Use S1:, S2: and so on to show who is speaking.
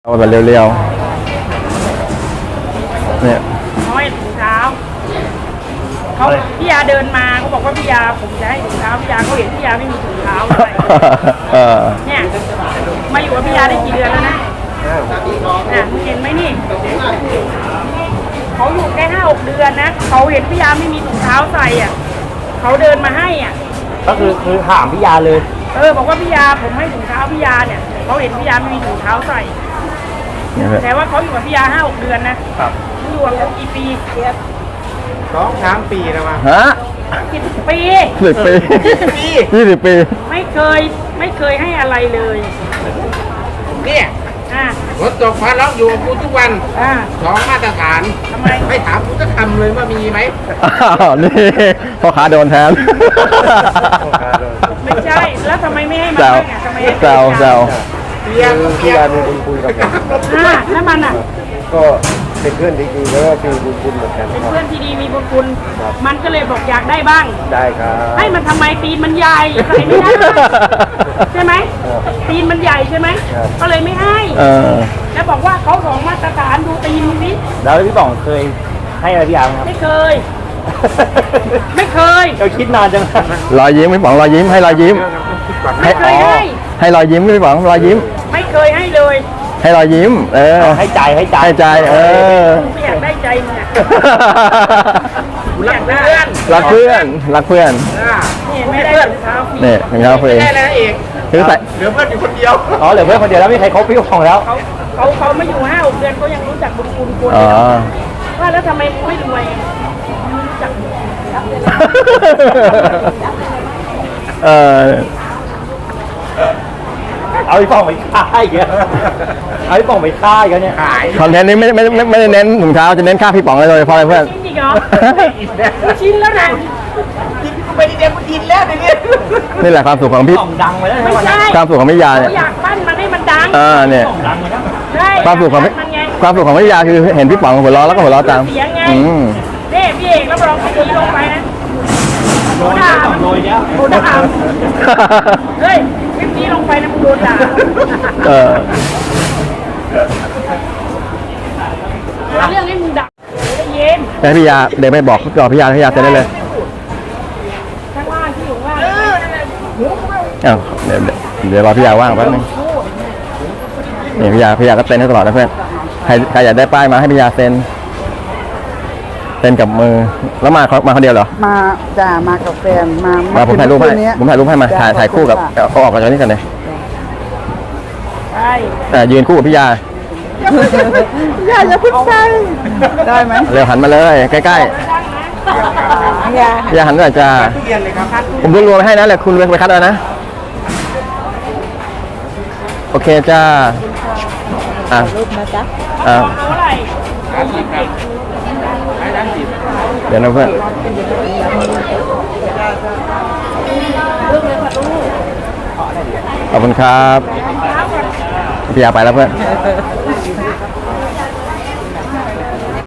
S1: เอาแบบเร็วๆเนี่ย
S2: น้อยถุงเท้าเขาพี่ยาเดินมาเขาบอกว่าพี่ยาผมจะให้ถุงเท้าพี่ยาเขาเห็นพี่ยาไม่มีถุงเท้าเลยเนี่ยมาอยู่กับพี่ยาได้กี่เดือนแล้วนะมึงเห็นไหมนี่เขาอยู่แค่5-6 เดือนนะเขาเห็นพี่ยาไม่มีถุงเท้าใส่อ่ะเขาเดินมาให้อ่ะ
S3: ก็คือถามพี่ยาเลย
S2: บอกว่าพี่ยาผมให้ถุงเท้าพี่ยาเนี่ยเขาเห็นพี่ยาไม่มีถุงเท้าใส่แต่ว่าเขาอยู่กับพี่ยา5-6 เดือนนะครับอยู่กับกี่ปี
S3: 2-3 ปีแล้วมั้ง
S1: ฮะ
S2: 10 ปี
S1: 10 ปี20 ปี
S2: ไม่เคยให้อะไรเลย
S3: เนี่ยรถตกฟ้าล็อกอยู่กับกูทุกวัน2 มาตรฐาน
S2: ทำไม
S3: ไม่ถามกูจะทำเลยว่ามีไหม
S1: นี่พ่อค้าโดนแทน
S2: ไม่ใช่แล้วทำไมไม่ให้มันทำไมให้
S1: แซว
S3: พี่ยามีบุญคุณกับผม
S2: แล้วมัน
S3: ก็เป็นเพื่อนที่ดีแล้วก็มีบุญคุณเหมือนกัน
S2: เป็นเพื่อนที่ดีมีบุญคุณมันก็เลยบอกอยากได้บ้าง
S3: ได้ครับ
S2: ให้มันทำไมตีนมันใหญ่ใส่ไม่ได้ใช่ไหมตีนมันใหญ่ใช่ไหมก็เลยไม่ให้แล้วบอกว่าเขา2 มาตรฐานดูตีนนี้
S3: แล้วพี่ป๋องเคยให้อะไรพี่ยาครับ
S2: ไม่เคย
S3: เราคิดนานจัง
S1: รอยยิ้มพี่ป๋องรอยยิ้มให้รอยยิ้ม
S2: ไม่เคย
S1: ให้รอยยิ้มพี่ป๋องรอยยิ้ม
S2: ไม่เคยให้เลย
S1: ให้รอยยิ้ม
S3: ให้ใจ
S1: ไม่
S2: อยากได้ใจมึง
S1: รักเพื่อน
S2: นี่ไม่ได้เท้าฟรี
S1: นี่เท้าฟรี
S3: ได้แล้วเอง
S1: คือใส่
S3: เหลือเพื่อนอยู่คนเดียว
S1: เหลือเพื่อนคนเดียวแล้วไม่ใครคบพี่ของแล้ว
S2: เขาไม่อยู่5-6 เดือนเขายังรู้จักบุญคุณคนว่าแล้วทำไมไม่รวยรู้จัก
S3: เอาไอ้ป่องไปฆ่าอีกเอาไอ้ป่องไปฆ่าอีกเนี่ยขาย
S1: คอนเทนต์นี้ไม่ได้เน้นถุงเท้าจะเน้นฆ่าพี่ป๋องเลยเพราะอะไรเพื่อน
S2: จริงเหรอชิ้นแล้วนะ
S3: จริงไปเรียนมันดินแล้วเนี่ย
S1: นี่แหละความสุขของพี่
S3: ดังไปแล้ว
S2: ไม่ใช่
S1: ความสุขของพี่ยา
S2: เนี่ยอยากปั้นมันให้มันดัง
S1: เนี่ยความสุขของพี่ยาคือเห็นพี่ป๋องหัวเราะแล้วก็หัวเราะตาม
S2: เสียงไงนี่พี่เอกแล้วลองตีลงไปนะ
S3: โดนด่า
S2: เฮ้ยคลิปนี้ลงไปนะมึงโดนด่าเรื่องให้มึงด่าเย็น
S1: แต่พี่ยาเดี๋ยวไม่บอกพี่ยาเสร็จได้เลย
S2: ข้างล่างที่อยู่ว่าง
S1: เดี๋ยวรอพี่ยาว่างแป๊บนึงนี่พี่ยาก็เซ็นให้ตลอดนะเพื่อนใครอยากได้ป้ายมาให้พี่ยาเซ็นกับมือแล้วมาคนเดียวเหรอ
S4: มากับแฟน
S1: มาผมถ่ายรูปให้มาถ่ายคู่กับเขาออกกันจากนี้กันเลยยืนคู่กับพี่ยา
S4: อย่าพึ่งใส่ได้ไหม
S1: เร็วหันมาเลยใกล้ๆพี่ยาหันหน่อยจ้าผมรวมให้นะแหละคุณไปคัดเอานะโอเคจ้า
S4: รูปนะจ๊ะ
S1: เดี๋ยวนะเพื่อนขอบคุณครับพี่ยาไปแล้วเพื่อน